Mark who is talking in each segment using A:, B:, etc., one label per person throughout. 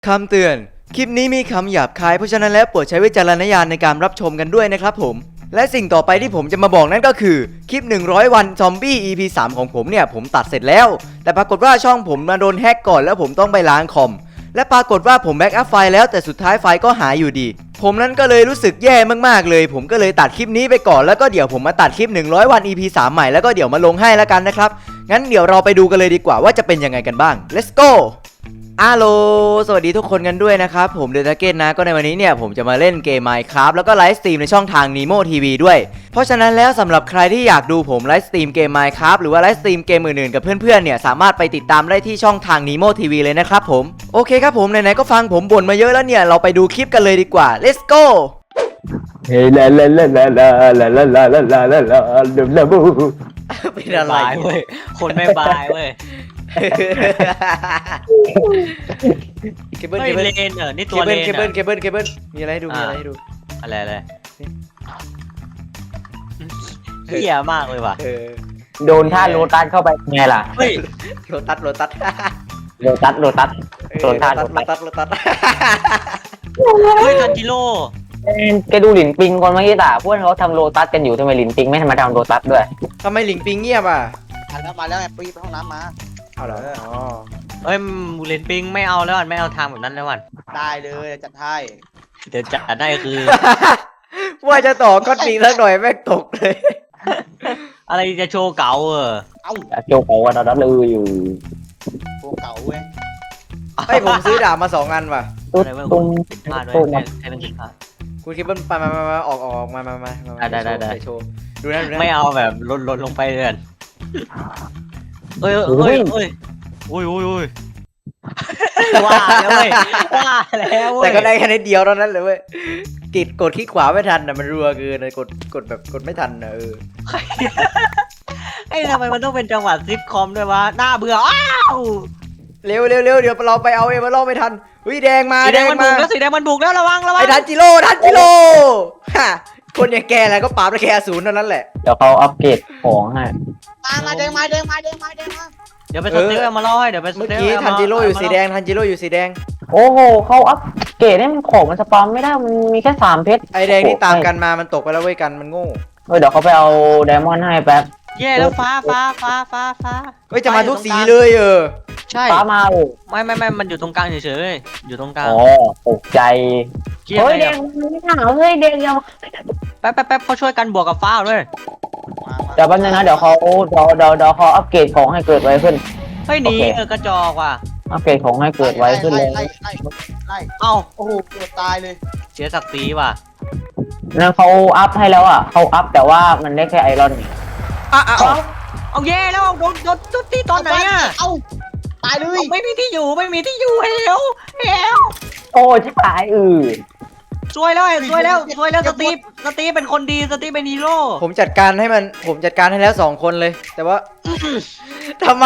A: คำเตือนคลิปนี้มีคำหยาบคายเพราะฉะนั้นแล้วโปรดใช้วิจารณญาณในการรับชมกันด้วยนะครับผมและสิ่งต่อไปที่ผมจะมาบอกนั่นก็คือคลิป100วันซอมบี้ EP 3ของผมเนี่ยผมตัดเสร็จแล้วแต่ปรากฏว่าช่องผมมาโดนแฮกก่อนแล้วผมต้องไปล้างคอมและปรากฏว่าผมแบ็กอัพไฟล์แล้วแต่สุดท้ายไฟล์ก็หายอยู่ดีผมนั้นก็เลยรู้สึกแย่มากๆเลยผมก็เลยตัดคลิปนี้ไปก่อนแล้วก็เดี๋ยวผมมาตัดคลิป100วัน EP 3ใหม่แล้วก็เดี๋ยวมาลงให้แล้วกันนะครับงั้นเดี๋ยวเราไปดูกันเลยดีกว่าว่าจะเป็นยังไงกันบ้าง let's goฮัลโหลสวัสดีทุกคนกันด้วยนะครับผมเดลต้าเกตนะก็ในวันนี้เนี่ยผมจะมาเล่นเกม Minecraft แล้วก็ไลฟ์สตรีมในช่องทาง Nemo TV ด้วยเพราะฉะนั้นแล้วสำหรับใครที่อยากดูผมไลฟ์สตรีมเกม Minecraft หรือว่าไลฟ์สตรีมเกมอื่นๆกับเพื่อนๆเนี่ยสามารถไปติดตามได้ที่ช่องทาง Nemo TV เลยนะครับผมโอเคครับผมไหนๆก็ฟังผมบ่นมาเยอะแล้วเนี่ยเราไปดูคลิปกันเลยดีกว่า let's go
B: เฮ้ยลาลาลาลาลาลาลาลาลาลาลาลาลาบู
A: เป็นอะไร
C: บายเว้ย คนไม่บายเว้ย
A: เคเบิล
C: เฮ้
A: เค
C: ย
A: เบิล
C: เลนเหรอนี่
A: เค
C: ตัว
A: เบิ
C: เล
A: ล
C: น
A: เคเบิลเคเบิลเคเบิลมีอะไรให้ดูมีอะไรให้ดู
C: อะไรเหี้ยมากเลยว่ะ
B: โดนท่าโลตัสเข้าไปไงล่ะ
C: เฮ้ย
A: โลตัสโลตัส
B: โลตัสโลตัสโดนท่าโล
A: โล
B: ตั
A: ตั
B: ส
A: สโลตัส
C: เฮ้ยทันจิโร่
B: แกดูหลินปิงก่อนเมื่อกี้ตาพวกเขาทำโลตัสกันอยู่ทำไมหลินปิงไม่ทำมาทำโลตัสด้วย
A: ทำไมหลิงปิงเงียบอ่ะ
D: มาแล้วไงปีไปห้องน้ำมา
A: เอาเหรออ๋อ
C: เฮ้ยมูเลนปิงไม่เอาแล้วอ่ะไม่เอาทางแบบนั้นแล้วอ่ะ
D: ได้เลยจัดให้
C: เดี๋ยวจะได้คือ
A: ว่าจะต่อก็ปิงสักหน่อยแม่งตกเลย
C: อะไรจะโชว์เก่าเออ
D: เอ้า
B: โจเขาว่าเราดัดเลยอยู่
D: โปรเก่าเว้ย
A: ให้ผมซื้อดาบมา2 อันว่ะ
B: ตุ๊ด
C: อะไรเว้ย
B: ตุ้ม
C: ผิดพลาดด้วย
B: ตุ้ม
C: ใครเป็นผิดพลาด
A: คุณคิดว่ามาออกมา
C: ได้
A: โชว์ดูนะดูนะ
C: ไม่เอาแบบลดลงไปเลยเอ้ยเอ้ยเอ้ยอุ้ยว่าแล้วเว้ยว่าแล้วเว้ย
A: แต่ก็ได้แค่นิดเดียวเท่านั้นเลยเว้ยกดคลิกขวาไม่ทันนะมันรัวเกินเลยกดแบบกดไม่ทันนะ
C: ไอ้ทำไมมันต้องเป็นจังหวะซิทคอมด้วยวะน่าเบื่ออ้าว
A: เร็วเดี๋ยวเราไปเอาเอมาล่อไม่ทันวิแดงมา
C: สีแดงมันบุกแล้วสีแดงมันบุกแล้วระวัง
A: ไอ้ทันจิโร่ฮะคนอย่างแกอะไรก็ปราบได้แค่0เท่านั้นแหละ
B: เดี๋ยวเขาอัปเกรดของให้
D: มาเด้งมา
C: เดี๋ยวไปสเต็กเอามาล่อให้เดี๋ยวไปส
A: เมื่อ
C: เต็ก
A: กี้ทันจิโร่อยู่สีแดงทันจิโร่อยู่สีแดง
B: โอ้โหเขาอัปเกรดให้มันของมันสปาไม่ได้มันมีแค่3เพชร
A: ไอแดงที่ตามกันมามันตกไปแล้วเว้ยกันมันโง่
B: เดี๋ยวเขาไปเอาไดมอนด์ให้แป๊บ
C: แย่แล้วฟ้า
A: เฮ้ยจะมาทุกสีเลย
C: ใช่
B: ฟ้ามาเลย
C: ไม่มันอยู่ตรงกลางเฉยๆอยู่ตรงกลาง
B: อ๋อตกใจ
C: เกียร์
B: เฮ้ย
C: เล
B: แด
C: ย
B: งไม่หนาวเฮ้ยแดงยัง
C: แป๊บเขาช่วยกันบวกกับฟ้าด้วย
B: เดี๋ยวแป๊บนึงนะเดี๋ยวเขาอัปเกรดของให้เกิดไวขึ้น
C: เฮ้ยหนี
B: โอเค
C: กระจอกว่ะ
B: อัปเกรดของให้เกิดไวขึ้นเลย
D: ไล่
C: เอ้า
D: โอ้โหเกือบตายเลย
C: เสียศักดิ์ศรีว่ะ
B: นั่นเขาอัพให้แล้วอ่ะเขาอัพแต่ว่ามันได้แค่ไอรอน
C: เอาแย่แล้วโดนตีตอนไหนอ่ะ
D: เอ้าตายเลย
C: ไม่มีที่อยู่เฮล
B: โอ้ชิบหาย
C: ซวยแล้วสตีฟเป็นคนดีสตีฟเป็นฮีโร่
A: ผมจัดการให้แล้ว2 คนเลย แต่ว่าทำไม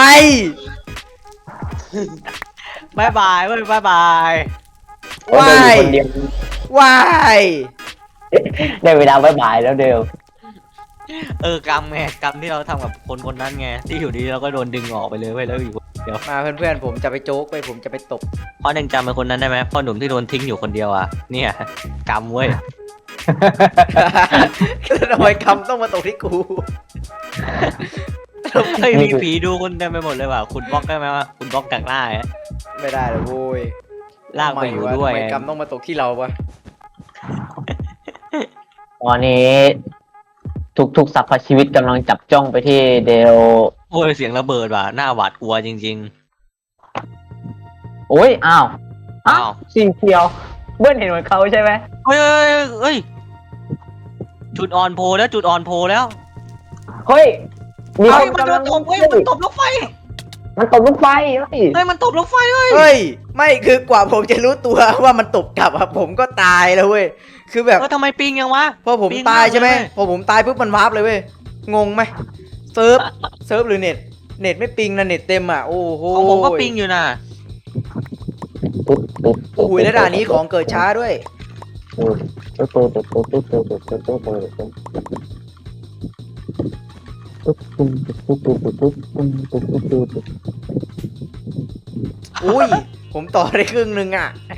C: บายบายเว้ยบายบาย
A: ว้าย
B: คนเดียว
A: ว้าย
B: ได้เวลาบายบายแล้วเดียว
C: กรรมไงกรรมที่เราทำกับคนนั้นไงที่อยู่ดีเราก็โดนดึงออกไปเลยเว้ยแล้วอยู่เดี๋ยว
A: มาเพื่อนๆผมจะไปโจ๊กไปผมจะไปตบ
C: พ่อหนึ่งจำเป็นคนนั้นได้ไหมพ่อหนุ่มที่โดนทิ้งอยู่คนเดียวอ่ะเนี่ยกรรมเว้ย
A: ทำไมคำต้องมาตกที่กู
C: เฮ้ยมีผีดูคุณเต็มไปหมดเลยว่ะคุณบล็อกได้ไหมวะคุณบล็อกจากหน้าอ่ะ
A: ไม่ได้เลยโว้ย
C: ลากไปอยู่ด้วย
A: ทำไมกรรมต้องมาตกที่เราวะ
B: ตอนนี้ทุกสรรพชีวิตกำลังจับจ้องไปที่เดล
C: โอ้ยเสียงระเบิดว่ะหน้าหวาดกลัวจริง
B: โอ้ยอ้าว
C: อ้าว
B: สีเขียวเบิ้ลเห็นเหมือนเขาใช่ไหม
C: ๆเฮ้ยจุดอ่อนโพแล้ว
B: เฮ้ยมี
C: เฮ้
B: ค
C: ย
B: น
C: มัน
B: กำลัง
C: ตบเว้ยมันตบลูกไฟ
B: มันตบลูกไฟเฮ้ย
C: เฮ้ยมันตบลูกไฟเฮ้ย
A: เฮ้ยไม่คือกว่าผมจะรู้ตัวว่ามันตบกลับอะผมก็ตายแล้วเว้ยคือแบบ
C: ทำไมปิงยังวะ
A: พอผม
C: ปิง
A: ตายใช่ไหม
C: มากเลย
A: พอผมตายปุ๊บมันวาร์ปเลยเว้ยงงไหมเซิร์ฟหรือเน็ตไม่ปิงนะเน็ตเต็มอ่ะโอ้โห
C: ของผมก็ปิงอยู่นะ
A: โอ้โหแล้วด่านนี้ของเกิดช้าด้วยอุ้ยผมต่อได้ครึ่งนึงอ่ะ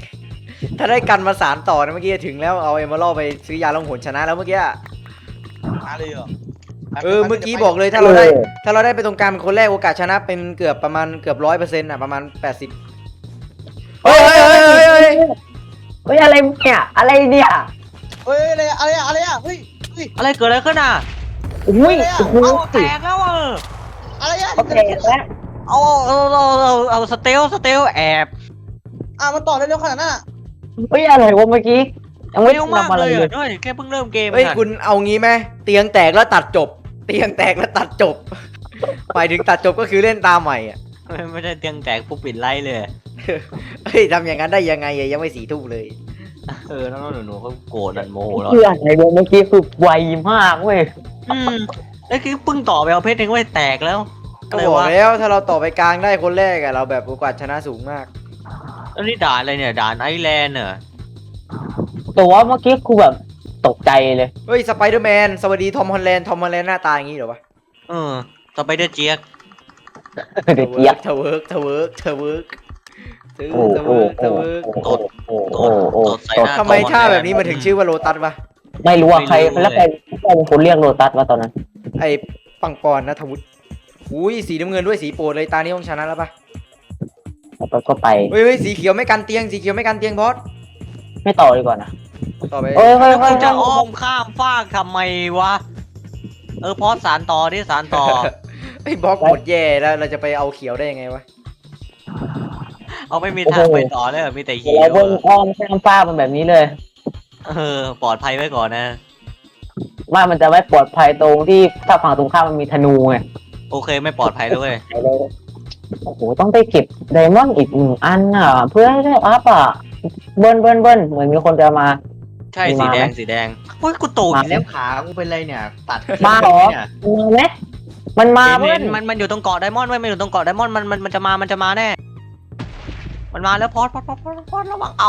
A: ถ้าได้กันมาสารต่อนะเมื่อกี้ถึงแล้วเอาเอมเมอรัลไปซื้อยาลงหนชนะแล้วเมื่อกี้
D: มาเลยเหรอ
A: เมื่อกี้บอกเลยถ้าเราได้ไปตรงกลางเป็นคนแรกโอกาสชนะเป็นเกือบประมาณเกือบ100%อ่ะประมาณ80เฮ้ย
B: เฮ้ยอะไรเนี่ยอะไรเนี่ย
D: เฮ้ยอะไรอ่ะเฮ้ย
C: อะไรเกิดอะไรขึ้นอ่ะ
B: อุ้ยโอ้โห
C: เอาแตกแล้วอ่ะ
D: อะไรอ่ะ
B: โอเคแล้ว
C: เอาสเตลแอบ
D: มันต่อเร็วขนาดนั้น
B: เฮ้ยอะไรวะเมื่อกี้ยังไม่
C: เร็วมาก
B: ทำอะไร
C: เลย
B: เลย
C: ด้วยแค่เพิ่งเริ่มเกม
A: เฮ้ยคุณเอางี้ไหมเตียงแตกแล้วตัดจบ เตียงแตกแล้วตัดจบหมายถึงตัดจบก็คือเล่นตามใหม่อ่ะ
C: ไม่ได้เตียงแตกปุ๊บปิดไลท์เลย
A: เฮ้ยทำอย่างนั้นได้ยังไงอะยังไม่4 ทุ่มเลย
C: น้องหนูเขาโกรธนันโมโหแล้ว
B: เพื่อนอะไรวะเมื่อกี้คือไวมากเว้ย
C: แล้วคือเพิ่งต่อไปเอาเพชรเองว่าแตกแล้ว
A: ก็บอกแล้วถ้าเราต่อไปกลางได้คนแรกอะเราแบบโอกาสชนะสูงมาก
C: แล้วนี่ด่านอะไรเนี่ยด่านไอแลนด์เหรอ
B: แต่ว่าเมื่อกี้คือแบบตกใจเลย
A: เฮ้ยสไปเดอร์แมนสวัสดีทอมฮอลแลนด์หน้าตาอย่างนี้เหรอวะ
C: ต่อไปเดอร์เจี๊ยก
B: เด็กเจี๊ยบ
A: เทเวิร์กเทเวิร์กเทเวิร์ก
B: โอ้โห
A: เทเวิร์ก
B: โอ้โหโอ้โห
A: ทำไมท่าแบบนี้มันถึงชื่อว่าโลตัสวะ
B: ไม่รู้ว่าใครแล้วใครเป็นคนเรียกโลตัสวะตอนนั้น
A: ไอ้ปังปอนนะทวุฒิอุ้ยสีน้ำเงินด้วยสีโปรดเลยตานี้ต้องชนะแล้วปะ
B: แล้วก็ไป
A: เฮ้ยสีเขียวไม่กันเตียงสีเขียวไม่กันเตียงบอส
B: ไม่ต่อดีกว่านะ
A: ต่อไป
B: เฮ้ยเฮ้ย
C: แล้ว
B: เฮ้
C: มึ
B: ย
C: งจะอ้อมข้ามฟากทำไมวะพอสารต่อที่สารต่อ
A: ไอ้บล็อกหมดแย่แล้วเราจะไปเอาเขียวได้ยังไงวะ
C: เอาไม่มีทางไปต่อเลยมีแต่เขีย
B: เรา
C: ว
B: เพิ่งอ้อมข้ามฟ้ามันแบบนี้เลย
C: ปลอดภัยไว้ก่อนนะ
B: ว่ามันจะไม่ปลอดภัยตรงที่ถ้าฝั่งตรงข้ามมันมีธนูไง
C: โอเคไม่ปลอดภัยแล้วเว้ย
B: โอ้โหต้องไปเก็บไดมอนด์อีก1 อันอ่ะ เพื่อให้ได้อัพอ่ะเบิ้ลเหมือนมีคนจะมา
C: ใช่สีแดงโอ้ยกูโตอีกแล้วขากูเป็นไรเนี่ยตัด
B: มาเหรอ มาไหมมันมา
C: เห็
B: เว้ย
C: นมันอยู่ตรงเกาะไดมอนด์เว้ยมันอยู่ตรงเกาะไดมอนด์มันจะมาแน่มันมาแล้วพอดระวัง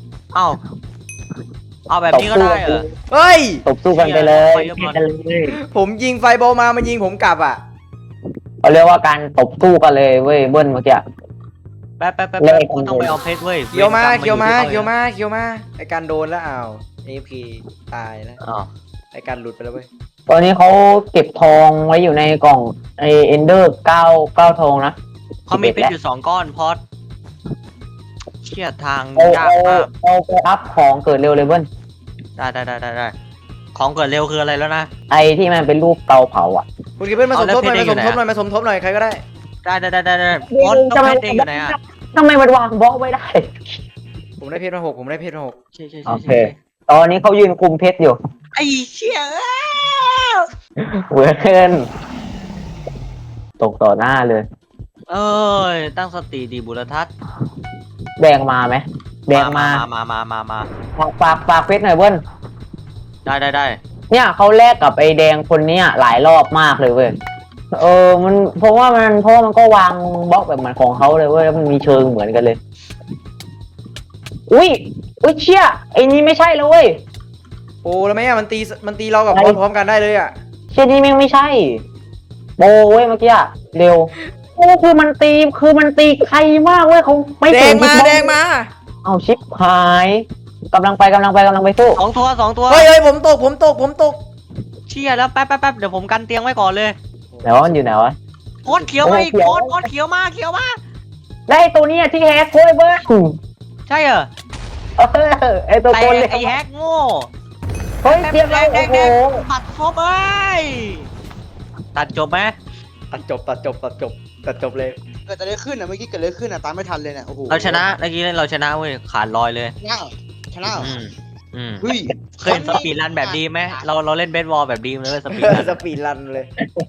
C: เอาแบบนี้ก็ได้เหรอ
A: เฮ้ย
B: ตบสู้กันไปเลย
C: ไปเรียบร้อย
B: กันเลย
A: ผมยิงไฟบอลมามันยิงผมกลับอ่ะ
B: เขาเรียกว่าการตบสู้กันเลยเว้ยเบิ้ลเมื่อกี้
C: แป๊บกูต้องไปเอาเพชรเว้ย
A: เขียวมาไอการโดนแล้วอ้าวAFKตายแล้ว
C: อ้าว
A: ไอการหลุดไปแล้วเว้ย
B: ตอนนี้เขาเก็บทองไว้อยู่ในกล่องไอเอนเดอร์9ทองนะ
C: เขามีเพชรอยู่2 ก้อนพอดเชี่ยทาง
B: เอา
C: ยากมาก
B: เอาไปอัพของเกิดเร็วเลยเบิ้ล
C: ได้ของเกิดเร็วคืออะไรแล้วนะ
B: ไอที่มันเป็นรูปเตาเผาอ่ะ
A: คุณกิเปิ้ลมาสมทบหน่อย
C: เอาแล้วเพชรอยู่ไหน
A: มาสมทบหน่อยใครก็ได้
C: ได้พอดต้องเพชรเองอยู่ไหนอ่ะ
B: ทำไมมันวางบล็อกไว้ได้
A: ผมได้เพชรมา6ผมได้เพชรมา6
C: ใช่
B: โอเค ตอนนี้เขายืนคุมเพชรอยู่
C: ไอ้เชี่ย
B: เวอร์เกินตกต่อหน้าเลย
C: เอ้ยตั้งสติดีบุรทัศน์
B: แดงมาไหมแดงมา
C: มา
B: ฝากเพชรหน่อยเบิ้ล
C: ได้
B: เนี่ยเขาแลกกับไอ้แดงคนเนี้ยหลายรอบมากเลยเว้ยมันเพราะว่ามันก็วางบล็อกแบบเหมือนของเขาเลยเว้ยแล้วมันมีเชิงเหมือนกันเลย อุ้ยเชี่ยไอ้นี่ไม่ใช่แล้วเว้ย
A: โอ้แล้วไหมอ่ะมันตีเรากับบอลพร้อมกันได้เลยอ่ะ
B: เชี่ยนี่แม่งไม่ใช่โบเว้ยเมื่อกี้อะเร็วโอ้คือมันตีใครมากเว้ยเขาไม่
A: แด
B: ถึ
A: ง
B: ง
A: แดงมา
B: เอาชิปหายกำลังไปสู้
C: 2 ตัว
A: เฮ้ยผมตก
C: เชี่ยแล้วแป๊บเดี๋ยวผมกันเตียงไว้ก่อนเลย
B: ไหนวะมันอยู่ไหนวะ
C: พอดเขียวมาอีกพอดเขียวมา
B: ได้ตัวเนี้ยที่แฮกเว้ยเบิ้ล
C: ใช่เหรอ
B: ไอตัว
C: แต่
B: โกนเลย
C: ไอ้แฮกโง่
B: เฮ้ยเตรียมแล้ว
C: แด
B: โอ้
C: ง
B: โห
C: ตัดครบเอ้ยตัดจบไหม
A: ตัดจบเลย
D: เกิดอะไรขึ้นอ่ะเมื่อกี้เกิดอะไรขึ้นอ่ะตามไม่ทันเลยเนี่ยโอ้โห
C: เราชนะเมื่อกี้เราชนะเว้ยขาดลอยเลย
D: ชนะเหรอ
C: อืม
D: เฮ้ย
C: เคยเห็นสปีดรันแบบดีไหมเราเล่นเบสบอลแบบดีเลยสปีดรัน
A: สปีดรันเลย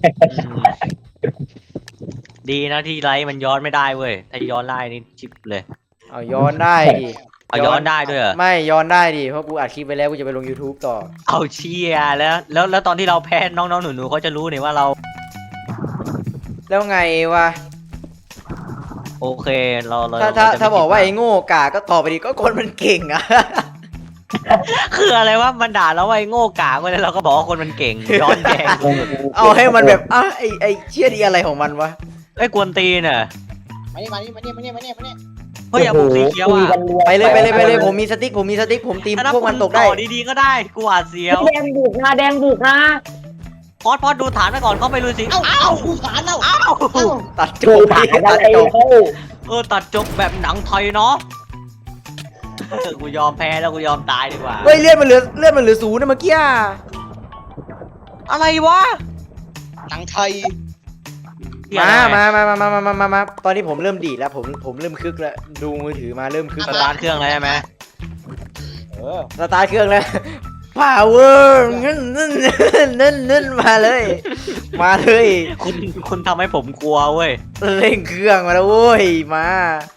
C: ดีนะที่ไลท์มันย้อนไม่ได้เว้ยถ้าย้อนได้นี่ชิปเลย
A: เอาย้อนได้ดิ
C: เอาย้อนได้ด้วยเหรอ
A: ไม่ย้อนได้ดิเพราะกูอัดคลิปไปแล้วกูจะไปลง YouTube ต่อ
C: เอาเชียร์แล้วตอนที่เราแพ้น้องๆหนูๆเขาจะรู้เนี่ยว่าเรา
A: แล้วไงวะ
C: โอเคเรา
A: ถ้าบอกว่าไอ้โง่กาก็ตอบไปดิก็คนมันเก่งอะ
C: คืออะไรวะมันด่าเราว่าไอ้โง่กากไปแล้วเราก็บอกว่าคนมันเก่งย้อนแย้ง
A: เอาให้มันแบบไอ้เชี่ยดีอะไรของมันวะ
C: ไอ้กวนตีนอ่ะ
D: มานี่
C: เฮ้ยอย่าบุกสีเขียวอ่ะ
A: ไปเลยไปเลยไปเลยผมมีสติ๊กผมตี
C: ถ้า
A: พวกมันตกได้
C: ต่อดีๆก็ได้กูหวาดเสียว
B: แดงบุกนะแดงบุกนะ
C: พอดดูฐานไปก่อนเข้าไปลุยสิ
D: เอ้ากูฐานเอ้า
C: เอ้า
A: ตัดจ
B: ดู
A: บ
B: ผ่าน
A: ตั
B: อะ
A: ด
B: ไร
A: จบ
B: เขา
C: ตัดจบแบบหนังไทยเนาะกูยอมแพ้แล้วกูยอมตายดีกว่า
A: เฮ้ยเลือดมันเหลือศูนย์นะเมื่อกี้อะ
C: อะไรวะ
D: หนังไทย
A: มาตอนนี้ผมเริ่มดีดแล้วผมเริ่มคึกแล้วดูมือถือมาเริ่มคึก
C: สตาร์ทเครื่องเลยใช่ไหม
A: สตาร์ทเครื่องแล้ว power นั่นมาเลยมาเลย
C: คุณทำให้ผมกลัวเว้ย
A: เร่งเครื่องมาแล้วโว้ยมา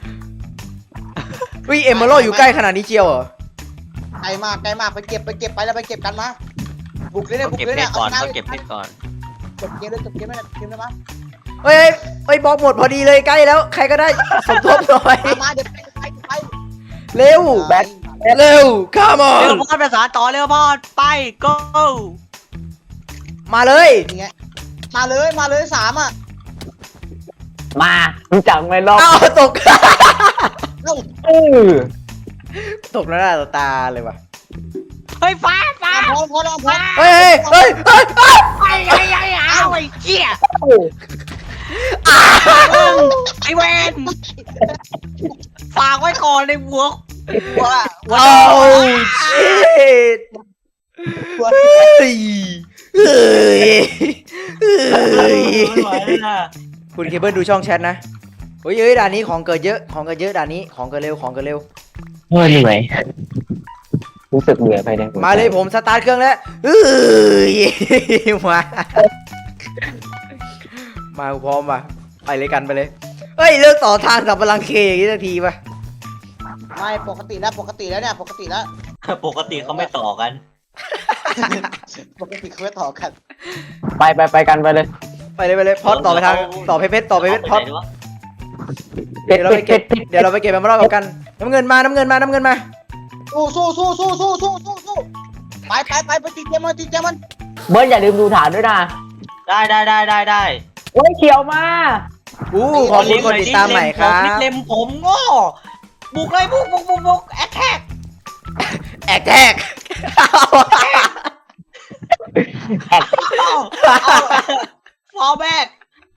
A: วิเอ็มเมอรัลอยู่ใกล้ขนาดนี้เชียวเหรอ
D: ไกลมากไปเก็บไปแล้วไปเก็บกันมาบุกเลยเนี่ย
C: ต้อง
D: บุก
C: เก็บ
D: เลย
C: เพ
D: เนี่
C: ช
D: ย
C: รก่อน
D: ชะ
C: ต้องเก็บเพชรก่อน
D: จบเกมเลยจบเกมเลยเกมเลยมา
A: เฮ้ยบล็อกหมดพอดีเลยใกล้แล้วใครก็ได้สมทบหน่อย
D: มาเดี๋ยวไป
A: เร็ว
B: แบท
A: เร็ว come
C: เร็ว
A: on
C: พอดภาษาต่อเร็วพอดไป go
A: มาเลย
D: อย่างเงี้ยมาเลย3อ่ะ
B: มารู้จักไหมรอบ
A: อ้าวตก
D: เอ้า
A: ตกแล้วหน้าต่อตาเลยว่ะ
C: เฮ้ยฟ้า
D: พอแล้วพอ
A: เฮ้ย
C: ไอ้เหี้ยไอ้เวนฝากไว้ก่อนในหัว
A: โอ้ชิตเฮ้ยคุณเคเบิลดูช่องแชทนะเฮ้ยด่านนี้ของเกิดเยอะด่านนี้ของเกิดเร็ว
B: เฮ้ยเหนื่อยรู้สึกเหนื่อยไปแดง
A: มาเลยผมสตาร์ทเครื่องแล้วเฮ้ยมาพร้อมป่ะไปเลยกันไปเลยเฮ้ยเลิกต่อทางสับพลังเคอย่างนี้สักทีป่ะ
D: ไม่ปกติแล้วเนี่ยปกติแล้ว
C: ปกติเขาไม่ต่อกัน
D: ปกติเขาไม่ต่อกัน
B: ไปกันไปเลย
A: ไปเลยพอดต่อไปทางต่อเพชรพอด
B: เด็ด
A: เดี๋ยวเราไปเก็บมันมารอบกันน้ำเงินมา
D: สู้ไปตีเกมมัน
B: เบิร์ดอย่าลืมดูฐานด้วยนะ
C: ได้
B: โอ้ยเขียวมา
A: ขอบคุณคนติดตามใหม่ครับ
C: เล็มผมโง่บุกเลยบุกแอคแท็ก
A: แอกแทก
C: ฟอร์แบก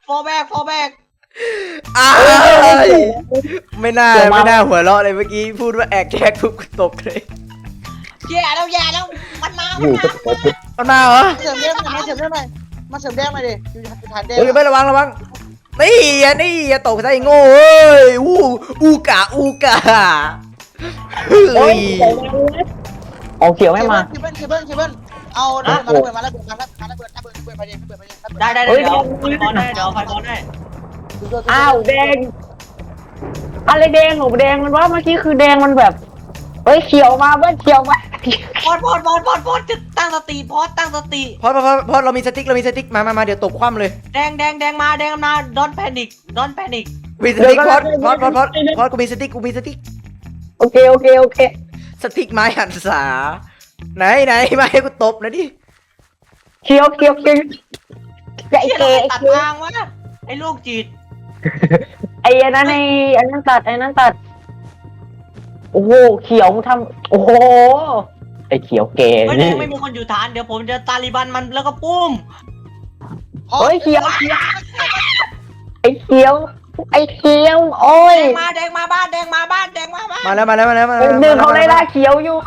A: ไม่น่าหัวเราะเลยเมื่อกี้พูดว่าแอกแทกปุ๊บตกเลย
C: แย่แล้วมันมา
A: มันมาเหรอ
D: เสริมแดงมาเสริมแดงหน่อยมาเสริมแดงหน่อยดิอยู่ฐานแดง
A: เฮ้ยไม่ระวังนี่อย่าตกซะไอ้โง่เอ้ยอูกะเฮ้
B: โอ้ย
A: ย
B: โอ้เขียวไม่มา
D: เคเบิลเอาระเบิดมาระเบิดไปดิ
C: ได้เดี๋ยวไฟบอลได้
B: อ้าวแดงอะไรแดงหนูแดงมันว่าเมื่อกี้คือแดงมันแบบเฮ้ยเขียวมาเบิร์ดเขียวมา
C: พอดจะตั้งสติพอด
A: เรามีสติ๊กมาเดี๋ยวตกคว่ำเลย
C: แดงมาดอนแพนิก
A: มีสติ๊กพอดกูมีสติ๊ก
B: โอเค
A: สติ๊กไม้หันษาไหนมาให้กูตบหน่อยดิ
B: เขียวไอ้
C: เชี่ย
B: เก
C: ตัดทางวะไอ้ลูกจิต
B: ไอ้นั้นตัดโอ้โหเขียวทำโอ้โหไอ้เขียวเก
C: ไม่มีคนอยู่ฐานเดี๋ยวผมจะตาลิบันมันแล้วก็ปุ้ม
B: เฮ้ยเขียวไอ้เขียวโอ้ย
C: แดงมาบ้าน
A: มาแล้ว
B: ดึงเขาไล่ล่าเขียวอยู่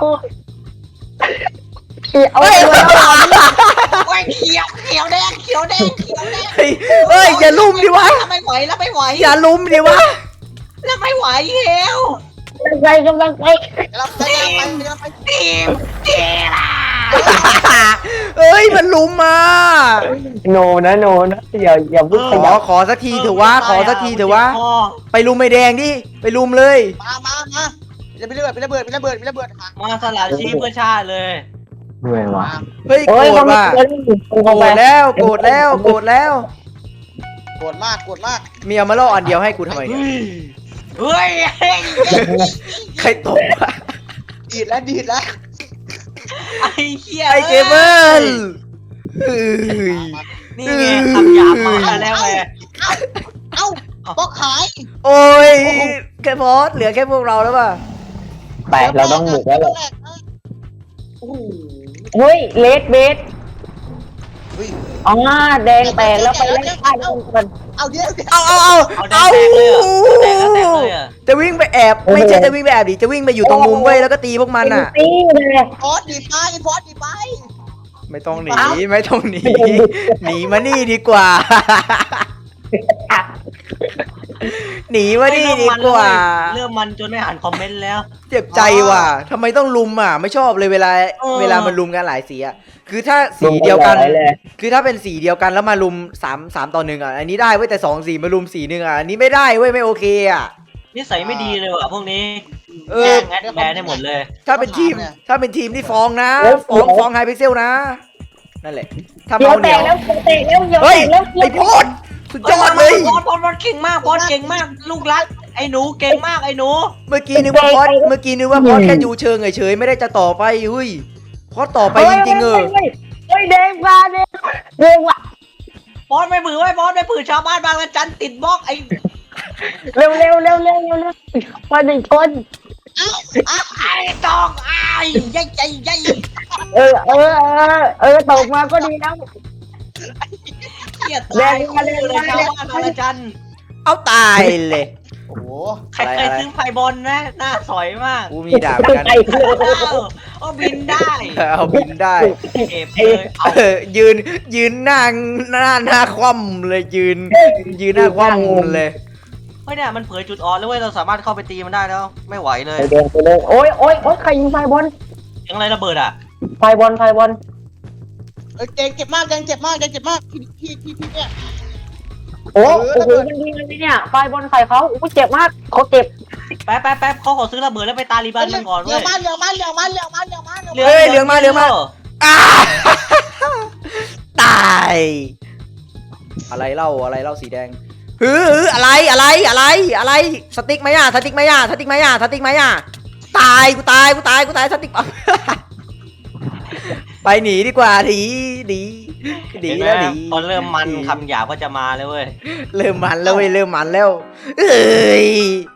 B: เขียว
C: โอ้ยเขียวแดง
A: เฮ้ยอย่าลุมดิวะ
C: ไม่ไหว
A: อย่าลุมดิวะ
C: แล้วไม่ไหวแล้ว
B: กำลังไป
D: เราไป
C: ทีมล่ะ
A: เอ้ยมันลุมมา
B: โนนะอย่าพูดขยับ
A: ขอสักทีเถอะวะไปลุมไม่แดงดิไปลุมเลย
D: มาจะไประเบิด
C: มาสลัดชีพเพื่อชาติเลย
B: เหนื่อยว่ะ
A: เฮ้ยโกรธว่ะโกรธแล้ว
D: โกรธมาก
A: มีเอามาล่ออันเดียวให้กูทำไมเนี่ย
C: เฮ้ย
A: ใครตกวะ
D: ดีดแล้ว
C: ไอ้เหี้ย
A: ไอเกเบิลเฮ้ย
C: นี่ไงคำหยาบมาแล้วไง
D: เอ้าก็ขาย
A: โอ้ยแค่พอสเหลือแค่พวกเราแล้วป่ะ
B: ไปเราต้องบุกแล้วแหละ
D: โอ้โห
B: เฮ้ยเลดเบส
D: เฮ้ย
B: อ๋อแดงแตกแล้วไปเล่นฆ่าแดงกัน
D: เอาเดี๋ยวเดี๋ยว
A: เอา
C: เอาแดงแตกเลยอะแตกแล้วแตกเลยอะ
A: จะวิ่งไปแอบไม่ใช่จะวิ่งไปแอบดิจะวิ่งไปอยู่ตรงมุมเว้ยแล้วก็ตีพวกมันอ่ะ
B: ตีเลย
D: พอสดีไปพอสดีไป
A: ไม่ต้องหนีไม่ต้องหนีหนีมานี่ดีกว่า หนีมานี่ดีกว่า
C: เริ่มมันจนไม่อ่านคอมเมนต์แล้ว
A: เจ็บใจว่ะทำไมต้องลุมอ่ะไม่ชอบเลยเวลา
C: เออ
A: เวลามันลุมกันหลายสีอ่ะคือถ้าสีเดียวกัน คือถ้าเป็นสีเดียวกันแล้วมาลุม3 ต่อ 1อ่ะอันนี้ได้เว้ยแต่2 สีมาลุมสีหนึ่งอ่ะอันนี้ไม่ได้เว้ยไม่โอเคอ่ะ
C: นิสัยไม่ดีเลยว่ะพวกนี้
A: เอ
C: แก
A: อ
C: ล้งแอดแบนได้หมดเลย
A: ถ้าเป็นทีมที่ฟ้องนะฟ้องไฮพิกเซลนะนั่นแหละถ้า
B: เดี๋ย
A: เมาว เห
B: แต
A: นียว
B: กแล้วแตกแล้วเดี๋ยว
A: เฮ้
B: แต
A: ย
B: กแล้ว
A: ไอโพดสุดยอดเลย
C: พอดเก่งมากพอดเก่งมาก ลูกรักไอ้หนูเก่งมากไอ้หนู
A: เมื่อกี้นึกว่าพอดแค่ดูเชิงเฉยๆไม่ได้จะต่อไปอุ้ยพอดต่อไปจริงๆ
B: เฮ้ยแดงมาแดงว่ะ
C: พอดไม่ปือไว้พอดไม่ปือชาวบ้านบางละจันติดบล็อกไอ้
B: เร็วมาหนึ่งคน
C: ไอ้ตองไอ้ยัยยัยยัย
B: ตกมาก็ดีแล้ว
C: เกียตายคู่เลยชาวบ้านบางละจัน
A: เอาตายเลย
D: โอ้โห
C: ใครเคยซื้อไพบอลนะหน้าสอยมาก
A: กูมีดาบกัน
B: ไปเลย
C: เอาบินได้
A: เอาบินได้
C: เก็บเลยเอา
A: ยืนหน้าคว่ำเลยยืนหน้าคว่ำเลย
C: เฮ้ยเนี่ยมันเผยจุดอ่อนแล้วเว้ยเราสามารถเข้าไปตีมันได้แล้วไม่ไหวเลย
B: ไปเลยโอ้ยใครยิงไฟบอล
C: ยังไรระเบิดอ่ะ
B: ไฟบอล
D: เอ้ยเจ็บมากเจ็บมากพี่เนี่ย
B: โอ้โหมันยิงอะไรเนี่ยไฟบอลใส่เขาอุ้ยเจ็บมากเขาเจ็บ
C: แป๊บเขาขอซื้อระเบิดแล้วไปตาลีบันมันก่อน
D: เหลื
C: เว้
D: อย งมาเหลืองมาเหลืองมาเหลืองมาเหลืองมาเหลืองมา
A: เฮ้ยเหลืองมาอ้าตายอะไรเล่าสีแดงอะไรสติ๊กไหมอ่ะตายกูตายสติ๊กไปหนีดีกว่าหนีแล้วหนี
C: พอเริ่มมันคำหยาบก็จะมาเลยเว้ย
A: เริ่มมันแล้วเอ้ย